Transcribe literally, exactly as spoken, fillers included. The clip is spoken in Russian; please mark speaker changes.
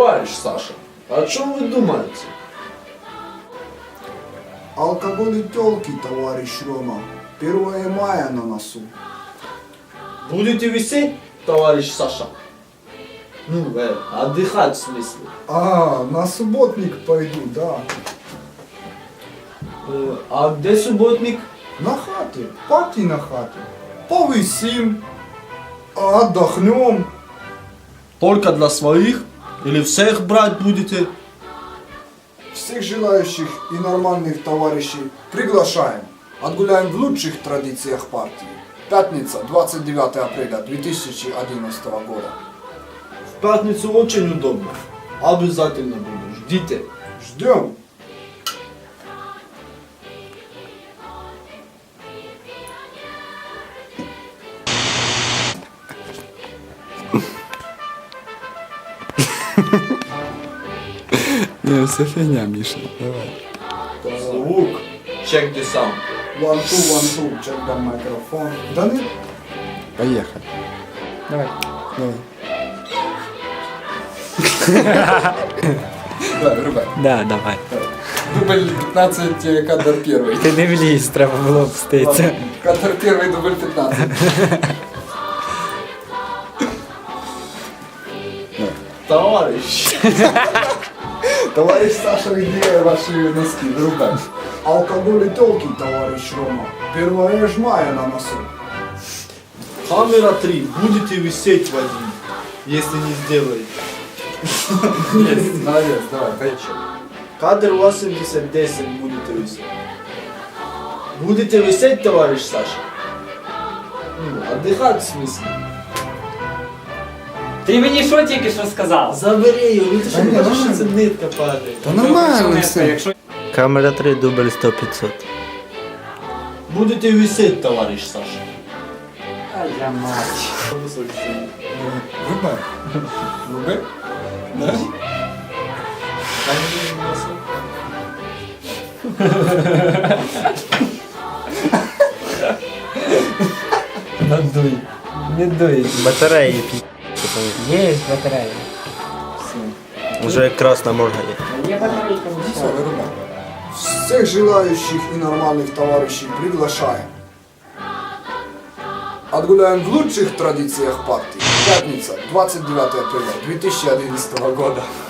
Speaker 1: Товарищ Саша, о чем вы думаете?
Speaker 2: Алкоголь и тёлки, товарищ Рома. первое мая на носу.
Speaker 1: Будете висеть, товарищ Саша? Ну, э, отдыхать в смысле.
Speaker 2: А, на субботник пойду, да.
Speaker 1: Э, а где субботник?
Speaker 2: На хате, пати на хате. Повысим, отдохнем.
Speaker 1: Только для своих? Или всех брать будете?
Speaker 2: Всех желающих и нормальных товарищей приглашаем. Отгуляем в лучших традициях партии. Пятница, двадцать девятое апреля две тысячи одиннадцатого года.
Speaker 1: В пятницу очень удобно. Обязательно буду. Ждите.
Speaker 2: Ждем.
Speaker 3: Не, все фигня, Миша, давай.
Speaker 1: Звук. Check the sound.
Speaker 2: One, two, one, two. Check the microphone. Да нет?
Speaker 3: Поехали.
Speaker 4: Давай.
Speaker 3: Давай.
Speaker 2: Да, вырубай.
Speaker 4: Да, давай.
Speaker 2: Дубль пятнадцать, кадр первый.
Speaker 4: Ти не вліз, треба було вститися.
Speaker 2: Ладно, кадр первый, дубль пятнадцать.
Speaker 1: Товарищ.
Speaker 2: Товарищ Саша, где ваши носки? Вырубай. Алкоголь и тёлки, товарищ Рома. первое мая на носу.
Speaker 1: Камера три. Будете висеть, Вадим, если не сделаете.
Speaker 2: Молодец, давай, поехали.
Speaker 1: Кадр восемьдесят десять будете висеть. Будете висеть, товарищ Саша? Ну, отдыхать в смысле.
Speaker 4: Ти мені що тільки що сказав?
Speaker 1: Забери його, ну ти що
Speaker 2: Та ні,
Speaker 1: не бачиш, що
Speaker 2: нормально.
Speaker 1: це нитка падає.
Speaker 3: Та нормально все.
Speaker 4: Якщо
Speaker 5: Камера три, дубль сто пятьсот.
Speaker 1: Будете висеть, товарищ Саша.
Speaker 4: А я мать.
Speaker 2: Вырубай. Вырубай. Да?
Speaker 4: Надуй. Не дуй.
Speaker 5: Батареи пи***.
Speaker 4: Є батарея.
Speaker 5: Уже красная морга есть.
Speaker 4: Є батарейка, ну
Speaker 2: Все,
Speaker 4: все.
Speaker 2: вырубай. Всех желающих и нормальных товарищей приглашаем. Отгуляем в лучших традициях партии. Пятница, двадцать девятое апреля две тысячи одиннадцатого года.